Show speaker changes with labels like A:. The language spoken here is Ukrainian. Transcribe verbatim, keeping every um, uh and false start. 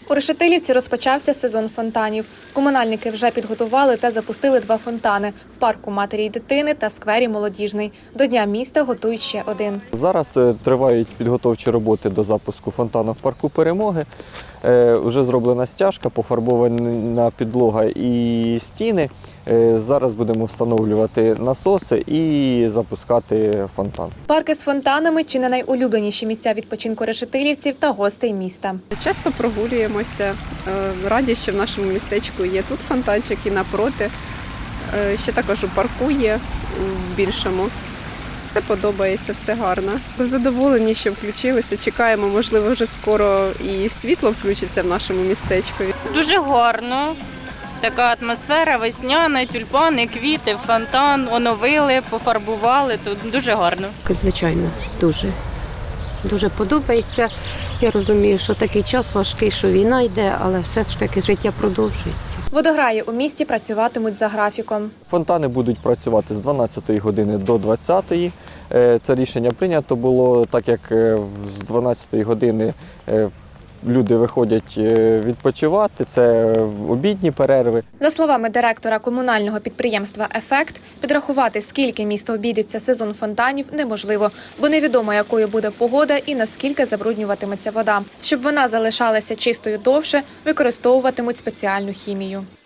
A: У Решетилівці розпочався сезон фонтанів. Комунальники вже підготували та запустили два фонтани – в парку матері й дитини та сквері Молодіжний. До Дня міста готують ще один.
B: Зараз тривають підготовчі роботи до запуску фонтану в парку Перемоги. Вже зроблена стяжка, пофарбована підлога і стіни. Зараз будемо встановлювати насоси і запускати фонтан.
A: Парки з фонтанами – чи не найулюбленіші місця відпочинку решетилівців та гостей міста.
C: Часто прогулюємося, раді, що в нашому містечку є тут фонтанчик і напроти. Ще також у парку є в більшому. Все подобається, все гарно. Задоволені, що включилися. Чекаємо, можливо, вже скоро і світло включиться в нашому містечку.
D: Дуже гарно. Така атмосфера весняна, тюльпани, квіти, фонтан, оновили, пофарбували. Тут дуже гарно.
E: Звичайно, дуже. Дуже подобається. Я розумію, що такий час важкий, що війна йде, але все ж таки життя продовжується.
A: Водограї у місті працюватимуть за графіком.
B: Фонтани будуть працювати з дванадцятої години до двадцятої. Це рішення прийнято було, так як з дванадцятої години люди виходять відпочивати, це обідні перерви.
A: За словами директора комунального підприємства «Ефект», підрахувати, скільки місто обійдеться сезон фонтанів, неможливо, бо невідомо, якою буде погода і наскільки забруднюватиметься вода. Щоб вона залишалася чистою довше, використовуватимуть спеціальну хімію.